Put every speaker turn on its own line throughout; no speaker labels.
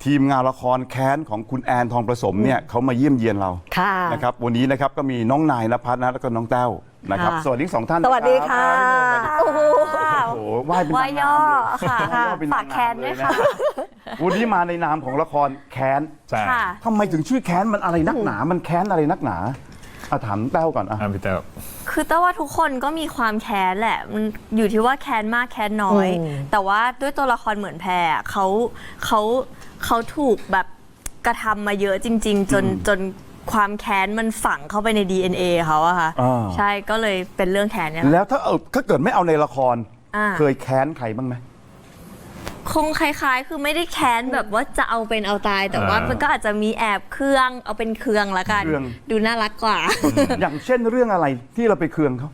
ทีมงานละครแค้นของคุณแอนทองประสมเนี่ยเขามาเยี่ยมเยียนเรานะครับวันนี้นะครับก็มีน้องนายณภัทรนะแล้วก็น้องแต้วนะครับสวัสดี2ท่าน
สวัสดีค่ะ
โอ้โหไหว้เป็นนางงาม
ค่ะฝากแค้นด้วยค่ะ
วันนี้มาในนามของละครแค้นทำไมถึงชื่อแค้นมันอะไรนักหนามันแค้นอะไรนักหนาถามแต้วก่อน
พี่แต้ว
คือแต่ว่าทุกคนก็มีความแค้นแหละมันอยู่ที่ว่าแค้นมากแค้นน้อยแต่ว่าด้วยตัวละครเหมือนแพรเขาถูกแบบกระทำมาเยอะจริงๆจนความแค้นมันฝังเข้าไปใน DNA เขาอะค่ะใช่ก็เลยเป็นเรื่องแค้นเนี่ย
แล้วถ้าเกิดไม่เอาในละครเคยแค้นใครบ้างไหม
คงคล้ายๆคือไม่ได้แค้นแบบว่าจะเอาเป็นเอาตายแต่ว่ามันก็อาจจะมีแอบเครื่องเอาเป็นเครื่องละกันดูน่ารักกว่า
อย่างเช่นเรื่องอะไรที่เราไปเครื่องเขา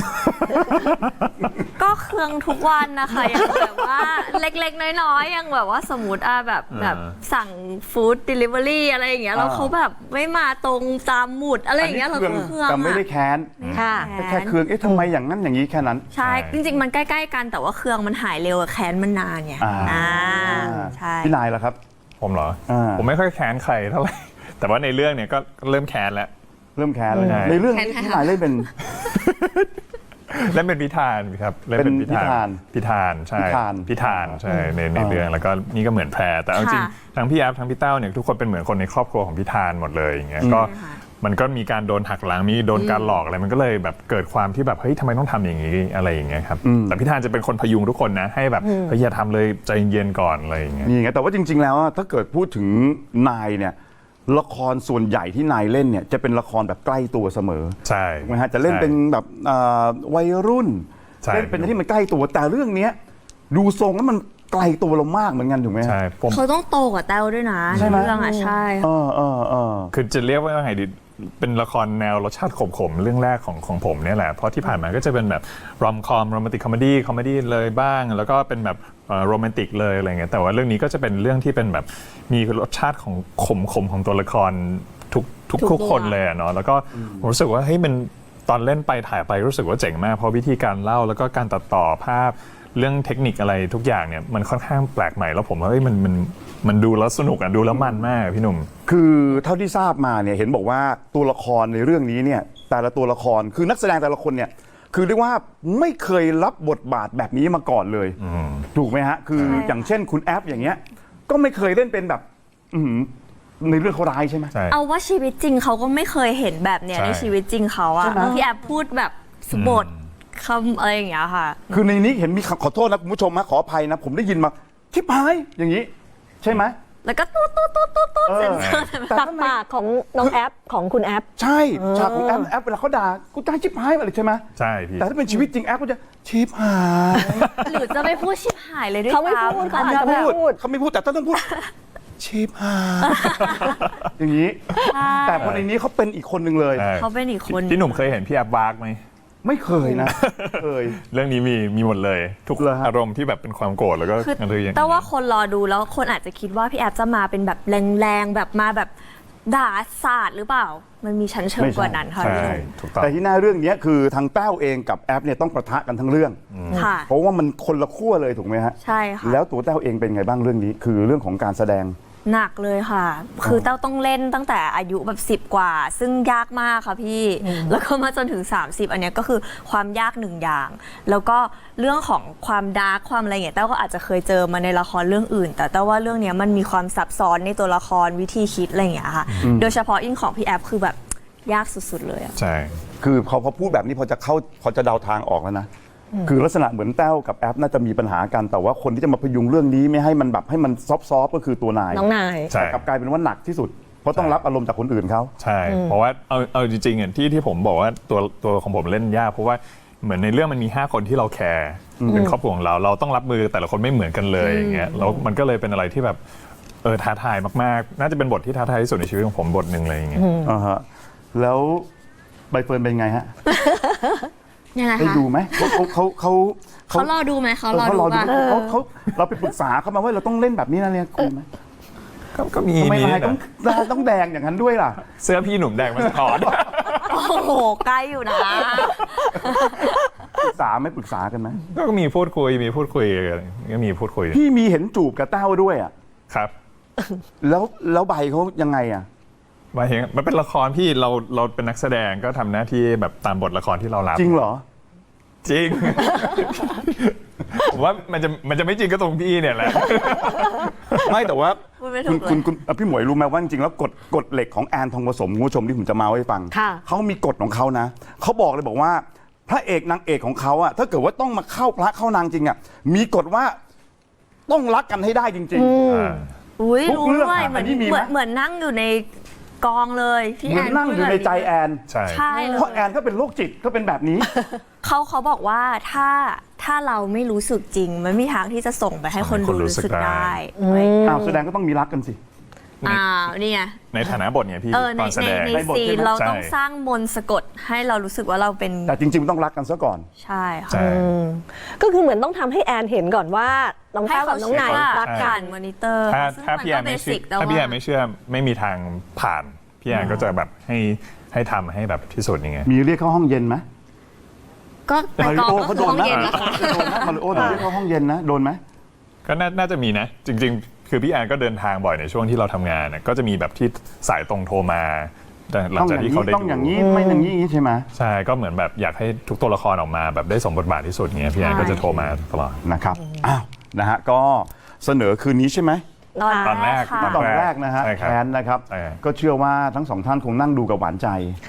ก็เครื่องทุกวันนะคะอย่างแบบว่าเล็กๆน้อยๆอย่างแบบว่าสมมติแบบสั่งฟู้ดเดลิเวอรี่อะไรอย่างเงี้ยแล้วเขาแบบไม่มาตรงตามหมุดอะไรอย่างเงี้ยเราเครื่อง
แต่ไม่ได้แค้นแค่เครื่องทำไมอย่างนั้นอย่างนี้แค่นั้น
ใช่จริงๆมันใกล้ๆกันแต่ว่าเครื่องมันหายเร็วแค้นมันนานไงใช่
พี่นายล่ะครับ
ผมเหรอผมไม่ค่อยแค้นใครเท่าไหร่แต่ว่าในเรื่องเนี่ยก็เริ่มแค้นแล้ว
เริ่มแค้นเลยในเรื่องนี้พี่นายเล่นเป็น
พิธานครับเล่นเป็นพิธานใช่พิธานใช่ในเรื่องแล้วก็นี่ก็เหมือนแพรแต่จริงทั้งพี่แอฟทั้งพี่เต้าเนี่ยทุกคนเป็นเหมือนคนในครอบครัวของพิธานหมดเลยอย่างเงี้ยก็มันก็มีการโดนหักหลังมีโดนการหลอกอะไรมันก็เลยแบบเกิดความที่แบบเฮ้ยทำไมต้องทำอย่างนี้อะไรอย่างเงี้ยครับแต่พิธานจะเป็นคนพยุงทุกคนนะให้แบบเฮ้ยอย่าทำเลยใจเย็นก่อนอะไรอย่างเงี้ย
นี่ไงแต่ว่าจริงๆแล้วถ้าเกิดพูดถึงนายเนี่ยละครส่วนใหญ่ที่นายเล่นเนี่ยจะเป็นละครแบบใกล้ตัวเสมอ
ใช่
นะฮะจะเล่นเป็นแบบวัยรุ่นเล่นเป็นที่มันใกล้ตัวแต่เรื่องนี้ดูทรงแล้วมันไกลตัวเรามากเหมือนกันถูกไหม
ใช่
เขาต้องโตกว่าแต้วด้วยนะ
ใช่ไหม
เรื่องใช่
คือจะเรียกว่าไงดีเป็นละครแนวรสชาติขมๆเรื่องแรกของผมเนี่ยแหละเพราะที่ผ่านมาก็จะเป็นแบบรอมคอมโรแมนติกคอมเมดี้เลยบ้างแล้วก็เป็นแบบโรแมนติกเลยอะไรเงี้ยแต่ว่าเรื่องนี้ก็จะเป็นเรื่องที่เป็นแบบมีรสชาติของขมของตัวละครทุกคนเลยเนาะแล้วก็ผมรู้สึกว่าเฮ้ยมันตอนเล่นไปถ่ายไปรู้สึกว่าเจ๋งมากเพราะวิธีการเล่าแล้วก็การตัดต่อภาพเรื่องเทคนิคอะไรทุกอย่างเนี่ยมันค่อนข้างแปลกใหม่แล้วผมว่าเฮ้ยมันดูแล้วสนุกดูแล้วมันมากพี่หนุ่ม
คือเท่าที่ทราบมาเนี่ยเห็นบอกว่าตัวละครในเรื่องนี้เนี่ยแต่ละตัวละครคือนักแสดงแต่ละคนเนี่ยคือเรียกว่าไม่เคยรับบทบาทแบบนี้มาก่อนเลยถูกไหมฮะคืออย่างเช่นคุณแอฟอย่างเงี้ยก็ไม่เคยเล่นเป็นแบบในเรื่องเขาร้ายใช่ไหม
เอาว่าชีวิตจริงเขาก็ไม่เคยเห็นแบบเนี้ยในชีวิตจริงเขาอะพี่แอฟพูดแบบสบทคำอะไรอย่างเงี้ยค่ะ
คือในนี้เห็นมีขอโทษนะคุณผู้ชมนะขออภัยนะผมได้ยินมาทิพายอย่างนี้ใช่ไหม
แล้วก็ตุ๊ด
จากปากของน้องแอฟของคุณแอฟ
ใช่ฉากของแอฟเวลาเขาด่ากูจะชิบหายอะไรใช่ไหม
ใช่พี่
แต่ถ้าเป็นชีวิตจริงแอฟก็จะชิบหาย
หรือจะไม่พูดชิบหายเลยด้วย
เขาไม่พูดเขา
ไม่พูดแต่ต้องพูดชิบหายอย่างนี้แต่คนในนี้เขาเป็นอีกคนหนึ่งเลย
เขาเป็นอีกคน
พี่หนุ่มเคยเห็นพี่แอฟวากไหม
ไม่เคยนะเคย
เรื่องนี้มีหมดเลยทุกอารมณ์ที่แบบเป็นความโกรธแล้วก็อะไรอย่างเงี้ย
แต่ว่าคนรอดูแล้วคนอาจจะคิดว่าพี่แอฟจะมาเป็นแบบแรงๆแบบมาแบบด่าศาสตร์หรือเปล่ามันมีชั้นเชิงกว่านั้นค่ะ
แต่ที่หน้าเรื่องนี้คือทางแต้วเองกับแอฟเนี่ยต้องปะทะกันทั้งเรื่องเพราะว่ามันคนละขั้วเลยถูกไหมฮะ
ใช่ค่ะ
แล้วตัวแต้วเองเป็นไงบ้างเรื่องนี้คือเรื่องของการแสดง
หนักเลยค่ะคือเต้าต้องเล่นตั้งแต่อายุแบบ10 กว่าซึ่งยากมากค่ะพี่แล้วก็มาจนถึง30อันนี้ก็คือความยากหนึ่งอย่างแล้วก็เรื่องของความดาร์กความอะไรเงี้ยเต้าก็อาจจะเคยเจอมาในละครเรื่องอื่นแต่เต้าว่าเรื่องนี้มันมีความซับซ้อนในตัวละครวิธีคิดอะไรอย่างเงี้ยค่ะโดยเฉพาะของพี่แอฟคือแบบยากสุดๆเลยอ่ะ
ใช่
คือพอพูดแบบนี้พอจะเดาทางออกแล้วนะคือลักษณะเหมือนแต้วกับแอฟน่าจะมีปัญหากันแต่ว่าคนที่จะมาพยุงเรื่องนี้ไม่ให้มันแบบให้มันซอฟก็คือตัวนาย
น้องนาย
แต่กลับกลายเป็นว่าหนักที่สุดเพราะต้องรับอารมณ์จากคนอื่นเขา
ใช่เพราะว่าเอาจริงๆที่ผมบอกว่าตัวของผมเล่นยากเพราะว่าเหมือนในเรื่องมันมี5 คนที่เราแคร์เป็นครอบครัวของเราต้องรับมือแต่ละคนไม่เหมือนกันเลยอย่างเงี้ยแล้วมันก็เลยเป็นอะไรที่แบบท้าทายมากๆน่าจะเป็นบทที่ท้าทายที่สุดในชีวิตของผมบทหนึ่งเลยอย่างเงี้ย
แล้วใบเฟิร์นเป็นไงฮะ
ยังไงคะ
ได้ดูไหม
เขารอดูไหมเขารอดูป่ะ
เราไปปรึกษาเขามาว่าเราต้องเล่นแบบนี้นะเนี่ยคุณไหม
ก็มี
ทำไมนายต้องแดงอย่างนั้นด้วยล่ะ
เสื้อพี่หนุ่มแดงมันสะท้อน
โอ้โหใกล้อยู่นะ
ปรึกษาไม่ปรึกษากันไหม
ก็มีพูดคุยก็มีพูดคุย
พี่มีเห็นจูบกับแต้วด้วยอ่ะ
ครับ
แล้วใบเขายังไงอ่ะ
หมายถึงมันเป็นละครพี่เราเป็นนักแสดงก็ทำหน้าที่แบบตามบทละครที่เรารับ
จริงเหรอ
จริง ผมว่ามันจะไม่จริงก็ตรงพี่เนี่ยแหละ
ไม่แต่ว่า
พูดไม่ถูกเลย
คุณพี่หมวยรู้ไหมว่าจริงๆแล้วกฎเหล็กของแอนทองผสมคุณผู้ชมที่ผมจะมาให้ฟัง
ค่ะ
เขามีกฎของเขานะเขาบอกเลยบอกว่าพระเอกนางเอกของเขาอะถ้าเกิดว่าต้องมาเข้าพระเข้านางจริงอะมีกฎว่าต้องรักกันให้ได้จริง
อุ้ย
ทุก
รู้
เรื่อง
ด้วย
อะ
เหมือน
อันนี้มีไหม
เหมือนนั่งอยู่ในกองเลยพี่
ๆเหมือนนั่งอยู่ในใจแอน
ใช่
ใช่เลย
เพราะแอนเขาเป็นโรคจิตเขาเป็นแบบนี้
เขาบอกว่าถ้าเราไม่รู้สึกจริง มันไม่มีทางที่จะส่งไปให้คนดูรู้สึกได้
อ้าวแสดงก็ต้องมีรักกันสิ
อ้าวนี่ไง
ในฐานะบทเนี่ยพี่
ใน
ตอนแสดง
ใน
ในบท
ซี
ใช่
น
ไหม
เราต้อง
ใช่
สร้างมนต์สะกดให้เรารู้สึกว่าเราเป็น
แต่จริงๆมันต้องรักกันซะก่อน
ใช่ค่ะ
ใช่
ก็คือเหมือนต้องทำให้แอนเห็นก่อนว่าน้อง
ให้
แต้วกั
เขา
บน้องาย
เชื่อนว่า
รักกั
ผ่าน นมอนิเตอร์
ถ้าพี่แอนไม่เชื่อถ้าพี่แอนไม่เชื่อไม่มีทางผ่านพี่แอนก็จะแบบให้ทำให้แบบที่สุดยังไง
มีเรียกเข้าห้องเย็นไหม
ก็ไป
มาริ
กอง
โอ
ก็
เขา
คือ
โดน
ห้อง
นะ
เย็นนะคะ
โดนนะมาริโอโดนเรียกเข้าห้องเย็นนะโดนไหม
ก็น่าจะมีนะ จริง ๆ คือพี่แอนก็เดินทางบ่อยในช่วงที่เราทำงานนะก็จะมีแบบที่สายตรงโทรมาแต่หลัง
ต้องอ
จาก
ย่าง
ที่
นี้
เขาได้
ต้องอย่าง
ดู
นี้ไม่อย่างนี้ใช่ไหม
ใช่ก็เหมือนแบบอยากให้ทุกตัวละครออกมาแบบได้สมบทบาทที่สุดเงี้ยพี่แอนก็จะโทรมาตลอด
นะครับอ้าวนะฮะก็เสนอคืนนี้ใช่ไหม
ตอนแรก
ค่ะ
ตอนแรกนะฮะ
ใช่ครับ
แคนนะครับ
ใช่
ก็เชื่อว่าทั้งสองท่านคงนั่งดูกับหวานใจ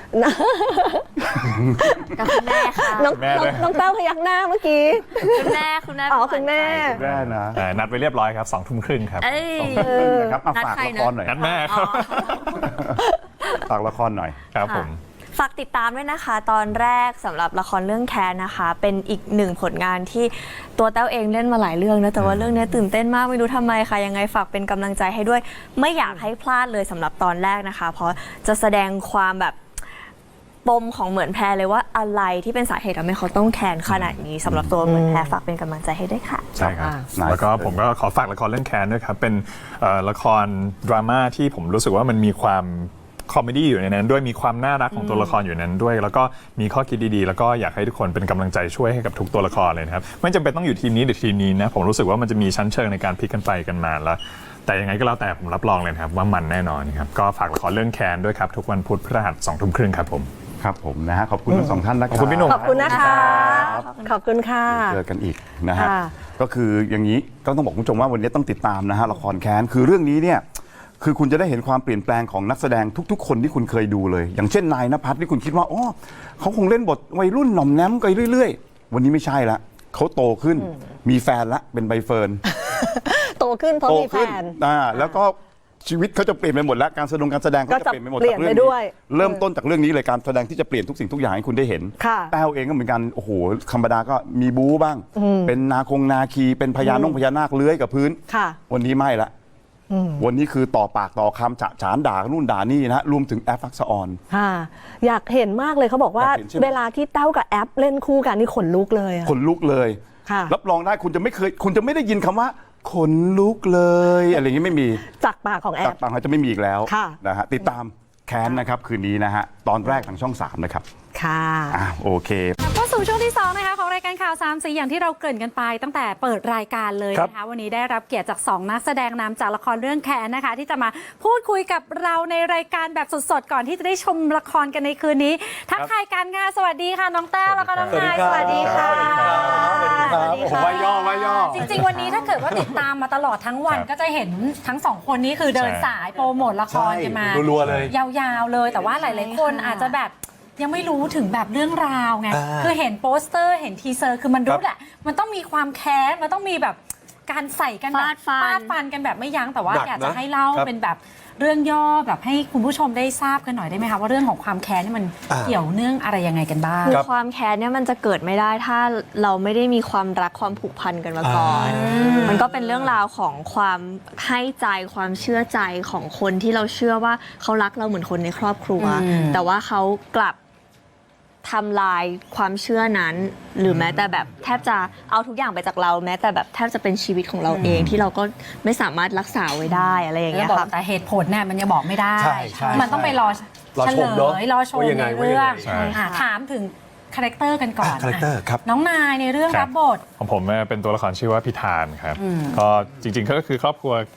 กับคุณแม่ค่ะ
น้อง
แม่ด้วย
น้องแต้วพยักหน้าเมื่อกี้
คุณแม่คุณแม่
อ๋อคุณแม่
แม่นะ
นัดไปเรียบร้อยครับ2:30ครับ
เอ้ย
นะครับเอา
นัด
ฝาก
ใคร
ละ
นะ
ครหน่อย
นัดแม่ค
อ๋
รั
อบ
ฝากละครหน่อย
ครับผม
ฝากติดตามด้วยนะคะ ตอนแรกสำหรับละครเรื่องแคนนะคะ เป็นอีกหนึ่งผลงานที่ตัวแต้วเองเล่นมาหลายเรื่องนะแต่ว่าเรื่องนี้ตื่นเต้นมากไม่รู้ทำไมค่ะยังไงฝากเป็นกำลังใจให้ด้วย ไม่อยากให้พลาดเลยสำหรับตอนแรกนะคะ เพราะจะแสดงความแบบปมของเหมือนแพรเลยว่าอะไรที่เป็นสาเหตุทำให้เขาต้องแคนขนาดนี้สำหรับตัวเหมือนแพรฝากเป็นกำลังใจให้ด้วยค่ะ
ใช่ครับ
อ่า
แล้วก็ผมก็ขอฝากละครเรื่องแคนด้วยครับ เป็นละครดราม่าที่ผมรู้สึกว่ามันมีความคอมเมดี้อยู่ในนั้นด้วยมีความน่ารักของตัวละครอยู่ในนั้นด้วย แล้วก็มีข้อคิดดีๆ แล้วก็อยากให้ทุกคนเป็นกำลังใจช่วยให้กับทุกตัวละครเลยนะครับไม่จำเป็นต้องอยู่ทีมนี้หรือทีมนี้นะผมรู้สึกว่ามันจะมีชั้นเชิงในการพลิกกันไปกันมาแล้ว แต่ยังไงก็แล้วแต่ผมรับรองเลยนะครับว่ามันแน่นอนครับก็ฝากละครเรื่องแคนด้วยครับทุกวันพุธพฤหัส20:30ครับผม
ครับผมนะฮะขอบคุณทั้งสองท่านนะครับ
ขอบคุณพี่หนุ่ม
ขอบคุณนะคะ ขอบคุณค่ะ
เจอกันอีกนะฮะ
ค่ะ
ก็คืออย่างนี้ก็ต้องบอกคุณผู้ชมว่าวันนี้ต้องติดตามนะฮะละครแค้นคือเรื่องนี้เนี่ยคือคุณจะได้เห็นความเปลี่ยนแปลงของนักแสดงทุกๆ คนที่คุณเคยดูเลย อย่างเช่นนายณภัทรที่คุณคิดว่าอ๋อเขาคงเล่นบทวัยรุ่นหน่อมแนมไปเรื่อยๆ วันนี้ไม่ใช่ละเขาโตขึ้นมีแฟนละเป็นใบเฟิร์น
โตขึ้นเพราะ
โต
มีแฟ
ขึ้น
น
แล้วก็ชีวิตเขาจะเปลี่ยนไปหมดแล้วการแสดงเขา
ก็
จะ
จะ
เปลี่ยนไปหมด
เปลี่ยน
จากเรื่อง
ไปด้วย
นี้เริ่มต้นจากเรื่องนี้เลยการแสดงที่จะเปลี่ยนทุกสิ่งทุกอย่างให้คุณได้เห็น
ค่ะ
แต้วเองก็เหมือนกันโอ้โหธรรมดาก็มีบู๊บ้าง เป็นนาคีเป็นพญานาคเลื้อยกับพื้น
ค่ะ
วันนี้ไม่ละวันนี้คือต่อปากต่อคำฉะฉานด่านู่นด่านี่นะฮะรวมถึงแอฟฟักซออน
ค่ะ อยากเห็นมากเลยเขาบอกว่า
อยากเห็นใช่ไหม
เวลาที่แต้วกับแอปเล่นคู่กันนี่ขนลุกเลยอะ
ขนลุกเลย
ค่ะ
รับรองได้คุณจะไม่ได้ยินคำว่าขนลุกเลยอะไรอย่างนี้ไม่มี
จากปากของแอ
จาก
ป
ปากเขาจะไม่มีอีกแล้ว
ค่ะ
นะฮะติดตามแค้นนะครับคืนนี้นะฮะตอนแรกทางช่อง 3 นะครับ
ค่ะ
โอเค
เข้าสู่ช่วงที่2นะคะของรายการข่าวสามสีอย่างที่เราเกริ่นกันไปตั้งแต่เปิดรายการเลยนะคะวันนี้ได้รับเกียรติจาก2นักแสดงนำจากละครเรื่องแคนนะคะที่จะมาพูดคุยกับเราในรายการแบบสดๆก่อนที่จะได้ชมละครกันในคืนนี้ทักทายกันค่ะสวัสดีค่ะน้องแต้วแล้วก็น้องนายสวัสดีค่ะ
ผมว่าย่อ
จริงๆวันนี้ถ้าเกิดว่าติดตามมาตลอดทั้งวันก็จะเห็นทั้งสองคนนี้คือเดินสายโปรโมทละครกันมา
รัวๆเลย
ยาวๆเลยแต่ว่าหลายๆคนอาจจะแบบยังไม่รู้ถึงแบบเรื่องราวไง คือเห็นโปสเตอร์เห็นทีเซอร์คือมันรู้แหละมันต้องมีความแค้นมันต้องมีแบบการใส่กันแบบ
ฟาดฟัน
ฟาดฟันกันแบบไม่ยั้งแต่ว่า
หนักนะ
อยากจะให้เล่า
ครับ
เป็นแบบเรื่องย่อแบบให้คุณผู้ชมได้ทราบกันหน่อยได้ไหมคะว่าเรื่องของความแค้นนี่มันเกี่ยวเนื่องอะไรยังไงกันบ้าง
คือความแค้นเนี่ยมันจะเกิดไม่ได้ถ้าเราไม่ได้มีความรักความผูกพันกันมาก่อน มันก็เป็นเรื่องราวของความให้ใจความเชื่อใจของคนที่เราเชื่อว่าเขารักเราเหมือนคนในครอบครัว แต่ว่าเขากลับทำลายความเชื่อนั้น หรือแม้แต่แบบแทบจะเอาทุกอย่างไปจากเราแม้แต่แบบแทบจะเป็นชีวิตของเราเองที่เราก็ไม่สามารถรักษาไว้ได้อะไรอย่าง
แล้
เงี้
วย บอก
ค่ะ
แต่เหตุผลเนี่ยมันยังบอกไม่ได้
ใช่ใช่
มันต้องไปรอ
รอ
เฉ
ช
ล
มเนอะ
ยรอชม
ว่ายังไง
ในเรื่อง
ว่ายังไง
ถามถึงคาแรคเตอร์กันก่อน
คาแรคเตอร์ครับ
น้องนายในเรื่อง
ครั
รับ บบท
ของผมเป็นตัวละครชื่อว่าพิธานครับก็จริงๆก็คือครอบครัวกับ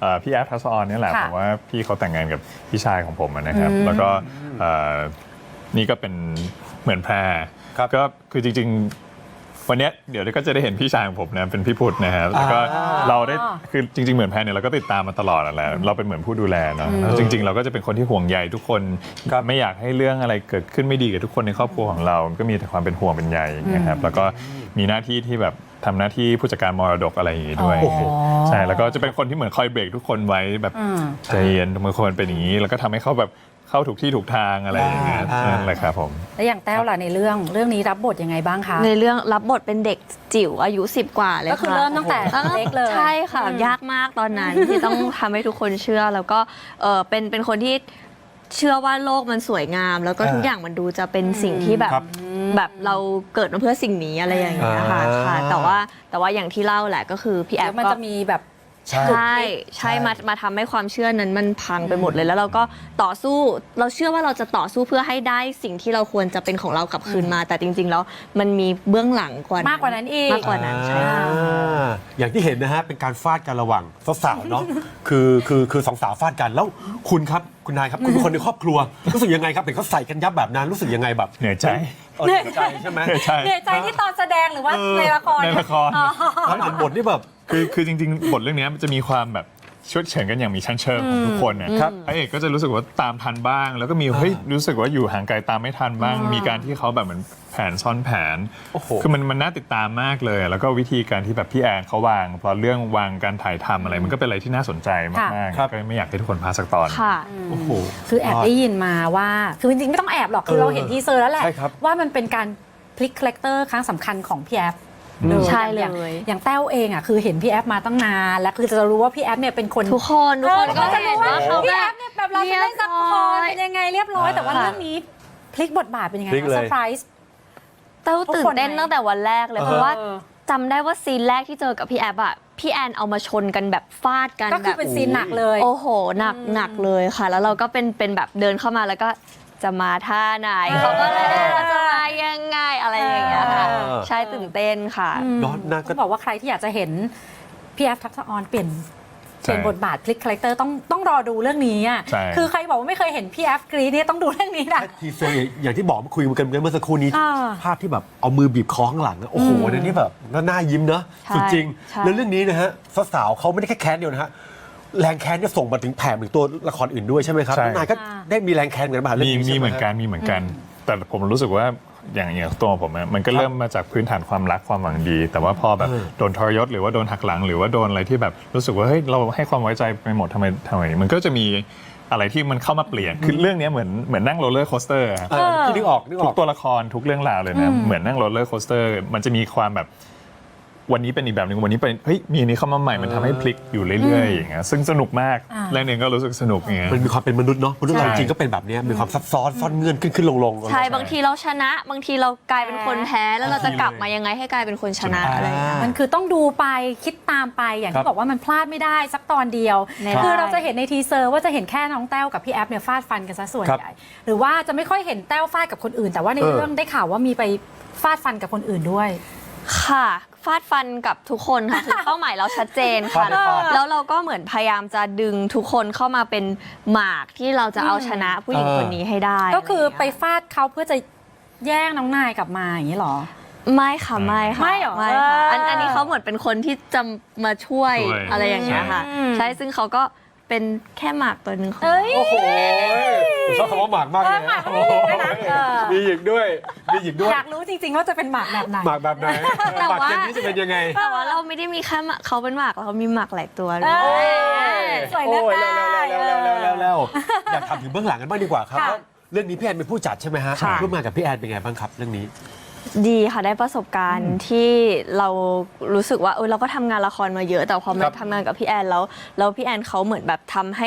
พี่แอฟทัศออนนี่แหละ
ค่ะ
ผมว่าพี่เขาแต่งงานกับพี่ชายของผมนะครับแล้วก็นี่ก็เป็นเหมือนแพรก็คือจริงๆวันเนี้ยเดี๋ยวก็จะได้เห็นพี่ชายของผมนะเป็นพี่พุทธนะครับแล้วก็เราได้คือจริงๆเหมือนแพรเนี่ยเราก็ติดตามมาตลอดแหละเราเป็นเหมือนผู้ดูแลเนาะแล้วจริงๆเราก็จะเป็นคนที่ห่วงใยทุกคนไม่อยากให้เรื่องอะไรเกิดขึ้นไม่ดีกับทุกคนในครอบครัวของเราก็มีแต่ความเป็นห่วงเป็นใยนะครับแล้วก็มีหน้าที่ที่แบบทำหน้าที่ผู้จัดการมรดกอะไรอย่างงี้ด้วยใช่แล้วก็จะเป็นคนที่เหมือนคอยเบรกทุกคนไว้แบบใจเย็นบางคนเป็นอย่างนี้แล้วก็ทำให้เขาแบบเข้าถูกที่ถูกทางอะไรอย่างเงี้ยนั่นแหละครับผม
แล้วอย่างแต้วล่ะในเรื่องนี้รับบทยังไงบ้างคะ
ในเรื่องรับบทเป็นเด็กจิ๋วอายุ10 กว่าเลย
ก็คือเริ่มตั้งแต่เล็กเลย
ใช่ค่ะ ยากมากตอนนั้น ที่ต้องทำให้ทุกคนเชื่อแล้วก็เป็นคนที่เชื่อว่าโลกมันสวยงาม แล้วก็ทุกอย่างมันดูจะเป็นสิ่งที่แบบเราเกิดมาเพื่อสิ่งนี้อะไรอย่างเงี้ยค่ะแต่ว่าอย่างที่เล่าแหละก็คือพี่แอฟ
มัน
ก็
จะมีแบบ
ใช่มาทำให้ความเชื่อนั้นมันพังไปหมดเลยแล้วเราก็ต่อสู้เราเชื่อว่าเราจะต่อสู้เพื่อให้ได้สิ่งที่เราควรจะเป็นของเรากลับคืนมา แต่จริงๆแล้วมันมีเบื้องหลังกว่าม
ากกว่านั้นอีก
มากกว่านั้นใช่ค่ะ
อย่างที่เห็นนะฮะเป็นการฟาดกันระหว่างสาวๆเนาะคือสองสาวฟาดกันแล้วคุณครับคุณนายครับคุณเป็นคนในครอบครัวรู้สึกยังไงครับเห็นเขาใส่กันยับแบบนั้นรู้สึกยังไงแบบ
เหนื่อยใจ
เหนื่อยใจใช่ไหม
ใช่
เหนื่อยใจที่ตอนแสดงหรือว่าในละคร
ในละคร
แล้วเห็นบทนี่แบบ
คือจริงๆ บทเรื่องนี้มันจะมีความแบบชดเชยกันอย่างมีชั้นเชิงของทุกคนเนี่ยพระเอกก็จะรู้สึกว่าตามทันบ้าง แล้วก็มีเฮ้ยรู้สึกว่าอยู่ห่างไกลตามไม่ทันบ้าง มีการที่เขาแบบเหมือนแผนซ้อนแผน
โอ้โห
คือมันน่าติดตามมากเลย แล้วก็วิธีการที่แบบพี่แอนเขาวางพอเรื่องวางการถ่ายทำอะไร มันก็เป็นอะไรที่น่าสนใจมาก
ครับ
ๆก็ไม่อยากให้ทุกคนพลาดสักตอน
ค่ะ
โอ้โห
คือแอบได้ยินมาว่าคือจริงๆไม่ต้องแอบหรอกคือเราเห็นทีเซอร์แล้วแหละ
ใช่ครับ
ว่ามันเป็นการพลิกคาแรคเตอร์ครั้งสำคัญของพี่แอฟ
ใช่เลย
อย่างแต้วเองอ่ะคือเห็นพี่แอฟมาตั้งนานแล้วคือจะรู้ว่าพี่แอฟเนี่ยเป็นคน
ทุกคนก็
จะ
เห็
รู้
น
ว่า
ว่าเขา
พี่
แบ
แอบ ฟเนี่ยแบบเราจะเล่นซับคอนเป็นยังไงเรียบร้อยแต่ว่าเรื่องนี้พลิกบทบาทเป็นยังไง
พลิกเลย
เซอร์ไพรส์
เต้าตื่นเต้นตั้งแต่วันแรกเลยเพราะว่า
เออ
จำได้ว่าซีนแรกที่เจอกับพี่แอบอะพี่แอนเอามาชนกันแบบฟาดกัน
ก็คือ
แบบ
เป็นซีนหนักเลย
โอ้โหหนักเลยค่ะ แล้วเราก็เป็นแบบเดินเข้ามาแล้วก็จะมาท่าไหนเขาก็เลยจะมายังไงอะไรอย่างเงี้ยค่ะใช่ตื่นเต้นค่ะ
เนอะน่าก็
ต้องบอกว่าใครที่อยากจะเห็นพี่แอฟทักษะออนเปลี่ยน
ใช่
บทบาทพลิกคาแรคเตอร์ต้องรอดูเรื่องนี้อ่ะ
ใช่
คือใครบอกว่าไม่เคยเห็นพี่แอฟกรีดเนี่ยต้องดูเรื่องนี้นะ
ทีเซอร์อย่างที่บอกคุยกันเมื่อสักครู่นี้
อ่า
ภาพที่แบบเอามือบีบคอข้างหลังอะโอ้โหในนี้แบบน่ายิ้มเนอะ
ใช่
สุดจริง
ใช่
แล้วเรื่องนี้นะฮะสาวๆเขาไม่ได้แค่แค้นเดียวนะฮะแรงแค้นเนี่ยส่งมาถึงแผ่ถึงตัวละครอื่นด้วยใช่ไหมครับ
ใช่
น้องนายก็ได้มีแรงแค้นเหมือนกันป่ะเรื่องนี้
มี
ใช่ไห
เหมือนกันมีเหมือนกัน แต่ผมรู้สึกว่าอย่างตัวผมอะมันก็เริ่มมาจากพื้นฐานความรักความหวังดี แต่ว่าพอแบบโดนทรยศหรือว่าโดนหักหลัง หรือว่าโดนอะไรที่แบบรู้สึกว่าเฮ้ยเราให้ความไว้ใจไปหมดทำไมมันก็จะมีอะไรที่มันเข้ามาเปลี่ยนคือเรื่องนี้เหมือนนั่งโรลเลอร์โคสเตอร์
พี่นึกออก
ทุกตัวละครทุกเรื่องราวเลยนะเหมือนนั่งโรลเลอร์โคสเตอร์มันจะมีความแบบวันนี้เป็นอีกแบบหนึ่งวันนี้เป็นเฮ้ยมีอันนี้เข้ามาใหม่มันทำให้พลิกอยู่เรื่อยๆอย่างเงี้ยซึ่งสนุกมากเรื่องนึงก็รู้สึกสนุกอย่างเงี้ย
มันมีความเป็นมนุษย์เนาะมนุษย์เรา
ใช่
จริงๆก็เป็นแบบเนี้ยมีความซับซ้อนซ่อนเงื่อนขึ้นลง
ใช่บางทีเราชนะ บางทีเรากลายเป็นคนแพ้แล้วเราจะกลับมายังไงให้กลายเป็นคนชนะอะไรอย่างเงี้ย
มันคือต้องดูไปคิดตามไปอย่าง
ครั
ที่
บ
บอกว่ามันพลาดไม่ได้สักตอนเดียว
ไม่
คือ
ได้
เราจะเห็นในทีเซอร์ว่าจะเห็นแค่น้องแต้วกับพี่แอฟเนี่ยฟาดฟันกันซะส่วน
ครับ
ใหญ่หรือว่าจะไม่ค่อยเห็นแต้วฟาดกับคนอื่น แต่ว่าในเรื่องได้ข่าวว่ามีไปฟาดฟันกับคนอื่นด้วย
ค่ะฟาดฟันกับทุกคนค่ะคือเป้าหมายเราชัดเจนค่ะ
ฟาดฟาด
แล้วเราก็เหมือนพยายามจะดึงทุกคนเข้ามาเป็นหมากที่เราจะเอาชนะผู้หญิงคนนี้ให้ได้
ก็คือไป
ะรย่างเงี้ย
ฟาดเขาเพื่อจะแย่งน้องนายกลับมาอย่างนี้เหรอ
ไม่ค่ะไม่ค่ะ
ไม่เหรอ
ไม่ค่ะอันนี้เขาเหมือนเป็นคนที่จะมาช่วย
ช่วย
อะไรอย่างเงี้ยค่ะ ใช่ซึ่งเขาก็เป็นแค่หมากตัวหนึ่งของ
เอ้ย
โอ้โหผมชอบคำว่าหมากมากเลย
หมากก็มีด้วยนะเออ
มีหยิกด้วยมีหยิกด้วย
อยากรู้จริงๆว่าจะเป็นหมากแบบไหน
หมากแบบไหน
แต่
หมาก
ว่า
เจนนี้จะเป็นยังไง
แต่ว่าเราไม่ได้มีแค่หมากเขาเป็นหมากเรามีหมากหลายตัวเล
เอ้
ย
ยสวยเลือกได้
แล้วอยากถามถึงเบื้องหลังกันบ้างดีกว่าครับ
ค่ะ
ว่าเรื่องนี้พี่แอนเป็นผู้จัดใช่ไหมฮะ
ค่ะ
ร่วมงานกับพี่แอนเป็นไงบ้างครับเรื่องนี้
ดีค่ะได้ประสบการณ์ที่เรารู้สึกว่าเราก็ทำงานละครมาเยอะ แต่พอมา
ครับ
ทำงานกับพี่แอนแล้วพี่แอนเขาเหมือนแบบทำให้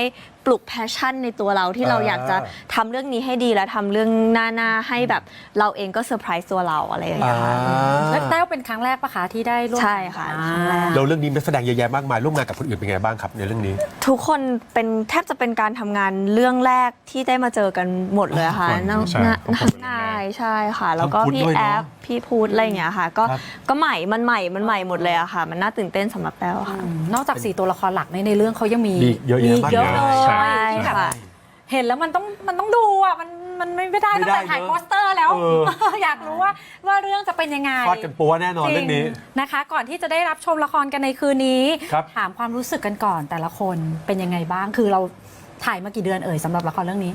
ปลุกแพชชั่นในตัวเราที่เราอยากจะทำเรื่องนี้ให้ดีและทำเรื่องหน้าให้แบบเราเองก็เซอร์ไพรส์ตัวเราอะไรอย่างเงี้ยค่ะ
แล้วแต้วเป็นครั้งแรกปะคะที่ได้ร่วม
ใช่ค่ะ
อ่า
ครั้งแรก
เราเรื่องนี้นักแสดงเยอะแยะมากมายร่วมงานกับคนอื่นเป็นไงบ้างครับในเรื่องนี้
ทุกคนเป็นแทบจะเป็นการทำงานเรื่องแรกที่ได้มาเจอกันหมดเลยค่ะ
ทุกคน
น้อง
ใช่ทุกคนเป็นเรื่องแรก
นายใช่ค่ะ แล้วก็
ทั้งพุทธ
พี่
ด้วยเน
แอ
อะ
ฟพี่พูดอะไรอย่างเงี้ยค่ะ ก็ใหม่มันใหม่หมดเลยอะค่ะ มันน่าตื่นเต้นสำหรับแต้วค่ะ
นอกจาก4ตัวละครหลักในเรื่องเขายังมี
มีเยอะแยะมาก
เยอะเลย
ใช่
ที่แบบ
ค่ะ
เห็นแล้วมันต้องดูอ่ะมันไม่ได้
ไม่
ตั้ง
ได้
แต่ถ่าย
เนอะ
โปสเตอร์แล้ว
เออ
อยากรู้ว่าเรื่องจะเป็นยังไง
ฟาดกันปัวแน่นอนเรื่องนี้
จนะคะ ก่อนที่จะได้รับชมละครกันในคืนนี้
ครับ
ถามความรู้สึกกันก่อนแต่ละคนเป็นยังไงบ้าง คือเราถ่ายมากี่เดือนสำหรับละครเรื่องนี้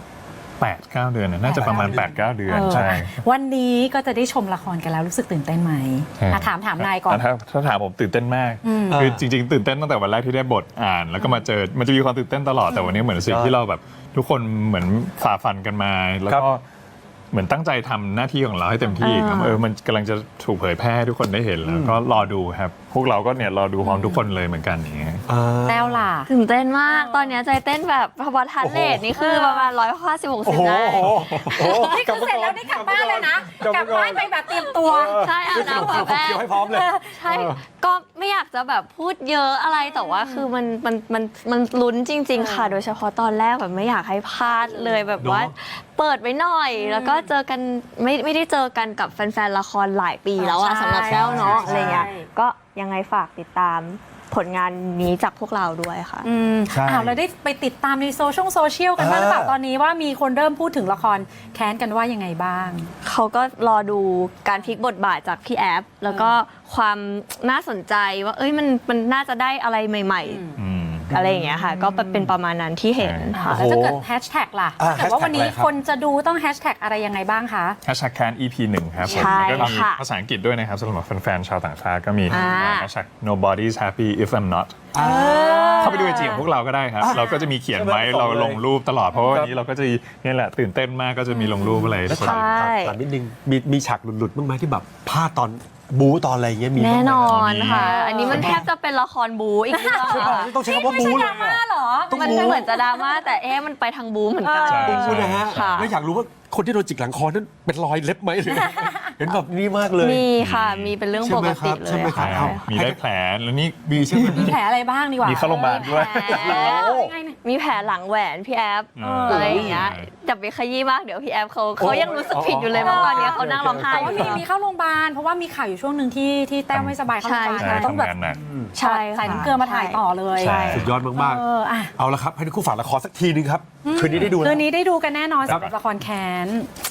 8-9 เดือนน่าจะประมาณ 8-9 เดือนใช่
วันนี้ก็จะได้ชมละครกันแล้วรู้สึกตื่นเต้นไหมอ่ะถามนายก่อน
ถ้าถามผมตื่นเต้นมาก คือจริงๆตื่นเต้นตั้งแต่วันแรกที่ได้บทอ่าน แล้วก็มาเจอมันจะมีความตื่นเต้นตลอดแต่วันนี้เหมือนสิ่งที่เราแบบทุกคนเหมือนฝ่าฟันกันมา แล้วก็เหมือนตั้งใจทำหน้าที่ของเราให้เต็มที่ครับมันกำลังจะถูกเผยแพร่ให้ทุกคนได้เห็นแล้วก็รอดูครับ พวกเราก็เนี่ยรอดูพร้อมทุกคนเลยเหมือนกันอย่างเงี้ย
แต้วล่ะ
ตื่นเต้นมาก ตอนเนี้ยใจเต้นแบบพอบอทันเลทนี่คือประมาณ150-60ได้
นี่คือเสร็จแล้วนี่กลับบ้านเลยนะ กลับบ้านไปแบบเตรียมตัว
ใช่อาบน้ำอาบแป้ง
เกี่ยวให้พร้อมเลย
ใช่ ก็ไม่อยากจะแบบพูดเยอะอะไรแต่ว่าคือมันลุ้นจริง ๆ ค่ะ โดยเฉพาะตอนแรกแบบไม่อยากให้พลาดเลยแบบว่า เปิดไว้หน่อย แล้วก็เจอกันไม่ได้เจอกันกับแฟนๆละครหลายปีแล้วอะ
ใช่
สำหรับแต้วเนาะ
ใช่
อะไรเงี้ยก็ยังไงฝากติดตามผลงานนี้จากพวกเราด้วยค่ะ
ใช่
เราได้ไปติดตามในโซเชียลกันบ้างหรือเปล่าตอนนี้ว่ามีคนเริ่มพูดถึงละครแค้นกันว่ายังไงบ้าง
เขาก็รอดูการพลิกบทบาทจากพี่แอฟแล้วก็ความน่าสนใจว่ามันน่าจะได้อะไรใหม่ ๆ อะไรอย่างเงี้ยค่ะ ก็เป็นประมาณนั้นที่เห็นค่ะ
แล้วถ้าเกิดแฮชแท็กล่ะ
อ่า
แต่ว่าวันนี้
hashtag อะไรครับ
คนจะดูต้องแฮชแท็กอะไรยังไงบ้างคะ
hashtag can EP 1ครับผม
ใช่
แล้วก็มี
ค่ะ
ภาษาอังกฤษด้วยนะครับสำหรับแฟนๆชาวต่างชาติก็มี
อ่า
hashtag nobody's happy if I'm not เข้าไปดูไอจีของพวกเราก็ได้ครับ เราก็จะมีเขียนไว้เราลงรูปตลอดเพราะว่าวันนี้เราก็จะนี่แหละตื่นเต้นมากก็จะมีลงรูปอะไร
แล้ว
คน
ถามนิดนึงมีฉากหลุดๆบ้างไหมที่แบบพลาดตอนบู๊ตอนอะไรอย่างเงี้ยมีบ้างไหม
แน่นอน
มี
ค่ะ อันนี้มันแทบจะเป็นละครบูอีกเรื่องอะค่ะ
ต้องใช้คำว่าบู๊เลย
ไม่ใช่ดราม่าเหรอ
มันเหมือนจะดราม่าแต่มันไปทางบูเหมือนกัน
ใช่
บู๊นะฮะ
ค่ะ
แล้วอยากรู้ว่าคนที่โดนจิกหลังคอนั้นเป็นรอยเล็บไหมหรือ เห็นแบบนี้มากเลย
มีค่ะ มีเป็นเรื่องปกติเล
ใช่
ย
ไหมครั
ค่ะ
บ
มีได้แผลแล้วนี่
มีใช่ไหม
มีแผลอะไรบ้างดีกว่า
มีเข้าโรงพยาบาลด้วย
ยังไงเนี่ย
มีแผลหลังแหวนพี่แอฟ
เอออ
อะไรอย่างเงี้ยจับไปขยี้มากเดี๋ยวพี่แอฟเขายังรู้สึกผิดอยู่เลยเมื่อวานเนี้ยเขานั่งร้องไห้
แต่
อ
ว่า
ยู่
มีเข้าโรงพยาบาลเพราะว่ามีข่าวอยู่ช่วงหนึ่งที่แต้วไม่สบายเข้าโรงพยาบาล
ใช่
ต้องแบบ
ทำงานหนัก
ใช่
ใส่น้ำเกลือมาถ่ายต่อเลย
ใช่
สุดยอดมาก
อ่ะ
ๆ เอาละครับ ให้ทุกคู่ฝากละครสักทีนึงครับ คืนนี้ได้ดู
คื
แล้ว
นนี้ได้ดูกันแน่นอน
ครับ
สำหรับละครแค้น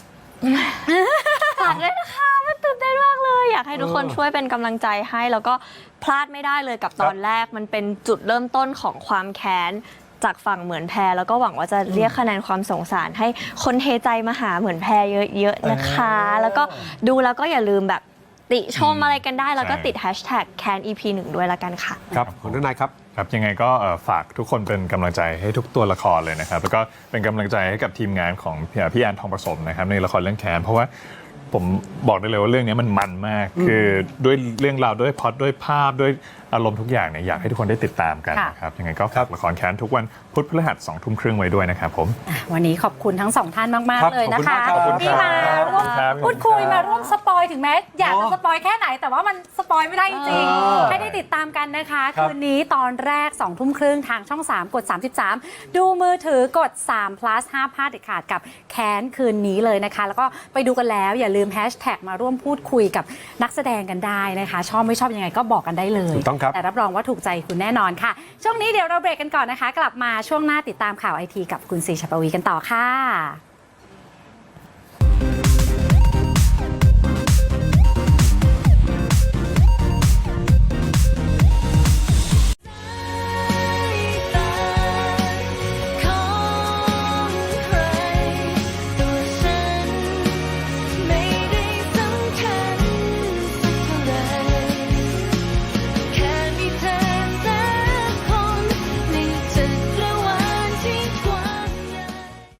ฝากด้วยนะคะมันตื่นเต้นมากเลย อยากให้ทุกคนช่วยเป็นกำลังใจให้แล้วก็พลาดไม่ได้เลยกับตอนแรกมันเป็นจุดเริ่มต้นของความแค้นจากฝั่งเหมือนแพรแล้วก็หวังว่าจะเรียกคะแนนความสงสารให้คนเทใจมาหาเหมือนแพรเยอะๆนะคะ แล้วก็ดูแล้วก็อย่าลืมแบบติชมอะไรกันได้แล้วก็
ใช่
ติด hashtag can EP 1ด้วยละกันค่ะ
ครับของนายครับ
ครับยังไงก็ฝากทุกคนเป็นกำลังใจให้ทุกตัวละครเลยนะครับ แล้วก็เป็นกำลังใจให้กับทีมงานของพี่แอนทองผสมนะครับในละครเรื่องแค้นเพราะว่าผมบอกได้เลยว่าเรื่องนี้มันมาก คือด้วยเรื่องราวด้วยพล็อตด้วยภาพด้วยอารมณ์ทุกอย่างเนี่ยอยากให้ทุกคนได้ติดตามกัน
ค่ะ
นะครับยังไงก็ฝากละครแค้นทุกวันพุธพฤหัส 20:30 ไว้ด้วยนะครับผม
วันนี้ขอบคุณทั้งสองท่านมาก
ครับ
ๆ เลยนะคะ
ขอบคุณมากครับ
ที่มาร่วม
ครับ
พูดคุยมาร่วมสปอยถึงแม้อยากจะสปอยแค่ไหน แต่ว่ามันสปอยไม่ได้จริงๆให้ได้ติดตามกันนะคะ
ครับ
คืนนี้ตอนแรก 20:30 ทางช่อง 3 กด 33 ดูมือถือกด3 plus ห้ามพลาดเด็ดขาดกับแค้นคืนนี้เลยนะคะ แล้วก็ไปดูกันแล้วอย่าลืมแฮชแท็กมาร่วมพูดคุยกับนักแสดงกันได้นะคะ ชอบไม่ชอบยังไงก็บอกกันได้เลย
ถูกต้องครับ
แต่รับรองว่าถูกใจคุณแน่นอนค่ะ ช่วงนี้เดี๋ยวเราเบรกกันก่อนนะคะ กลับมาช่วงหน้าติดตามข่าวไอทีกับคุณศรีชปวีกันต่อค่ะ